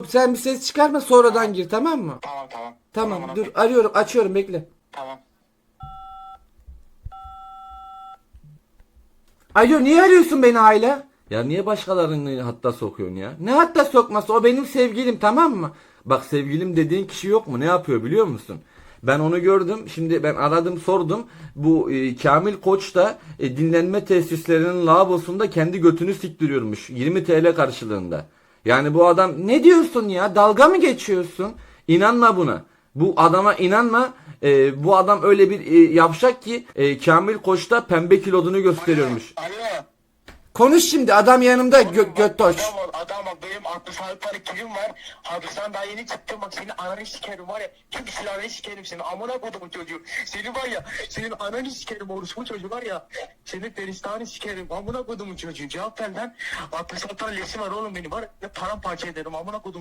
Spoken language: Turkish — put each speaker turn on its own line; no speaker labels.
Sen bir ses çıkarma, sonradan gir, tamam mı?
Tamam tamam.
Tamam
Tamam,
dur,
okey.
arıyorum, açıyorum, bekle.
Tamam.
Alo, niye arıyorsun beni hala? Ya niye başkalarını hatta sokuyorsun ya? Ne hatta sokması, o benim sevgilim, tamam mı? Bak, sevgilim dediğin kişi yok mu? Ne yapıyor biliyor musun? Ben onu gördüm. Şimdi ben aradım, sordum. Bu Kamil Koç da dinlenme tesislerinin lavabosunda kendi götünü siktiriyormuş. 20 TL karşılığında. Yani bu adam, ne diyorsun ya? Dalga mı geçiyorsun? İnanma buna. Bu adama inanma. Bu adam öyle bir yavşak ki Kamil Koç'ta pembe kilodunu gösteriyormuş.
Alo.
Konuş şimdi, adam yanımda, götoş.
Adam bak, benim 66 tane kilim var. Hapisten daha yeni çıktım, bak senin ananı sikerim var ya. Tüm silahını sikerim seni, amına kodumun çocuğu. Seni var ya, senin ananı sikerim, orospu çocuğu var ya. Senin peristanı sikerim, amına kodumun çocuğu. Cevap ver lan. 66 tane lesim var oğlum benim, var ya paramparça ederim, amına kodum.